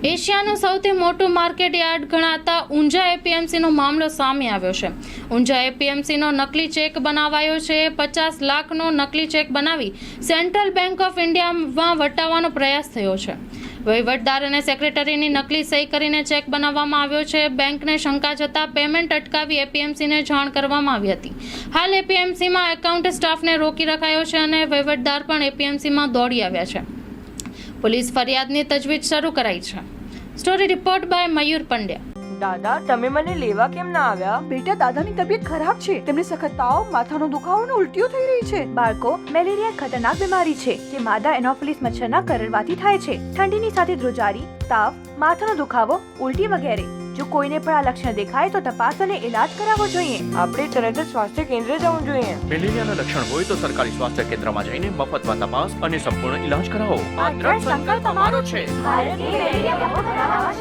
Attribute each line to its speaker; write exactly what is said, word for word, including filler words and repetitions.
Speaker 1: એશિયાનું સૌથી મોટું market yard ગણાતા ઊંઝા એપીએમસીનો મામલો સામે આવ્યો છે। ઊંઝા એપીએમસીનો નકલી ચેક બનાવાયો છે। પચાસ લાખનો નકલી ચેક બનાવી સેન્ટ્રલ બેંક ઓફ ઇન્ડિયામાં વટાવવાનો પ્રયાસ થયો છે। વહીવટદાર અને સેક્રેટરીની નકલી સહી કરીને ચેક બનાવવામાં આવ્યો છે। બેંકને શંકા જતા પેમેન્ટ અટકાવી એપીએમસીને જાણ કરવામાં આવી હતી। હાલ એપીએમસીમાં એકાઉન્ટ સ્ટાફને રોકી રખાયો છે અને વહીવટદાર પણ એપીએમસીમાં દોડી આવ્યા છે। પોલીસ ફરિયાદની તજવીજ શરૂ કરાઈ છે। Story report by Mayur Pandya.
Speaker 2: દાદા તમે મને લેવા કેમ ના આવ્યા?
Speaker 3: બેટા, દાદાની તબિયત ખરાબ છે। તેમને સખત તાવ, માથાનો દુખાવો અને ઉલટીઓ થઈ રહી છે।
Speaker 4: બાળકો, મેલેરિયા ખતરનાક બીમારી છે જે માદા એનોફિલિસ મચ્છરના કરડવાથી થાય છે। ઠંડીની સાથે ધ્રુજારી, તાવ, માથાનો દુખાવો, ઉલટી વગેરે। જો કોઈને પણ આ લક્ષણ દેખાય તો તપાસ અને ઇલાજ કરાવવો જોઈએ।
Speaker 2: આપણે તરત જ સ્વાસ્થ્ય કેન્દ્ર જવું જોઈએ।
Speaker 5: મેલેરિયાના લક્ષણ હોય તો સરકારી સ્વાસ્થ્ય કેન્દ્રમાં જઈને મફતમાં તપાસ અને સંપૂર્ણ ઈલાજ કરાવો।
Speaker 4: આ દ્રઢ સંકલ્પ અમારો છે। ભારતની મેલેરિયા મુક્ત બનાવવા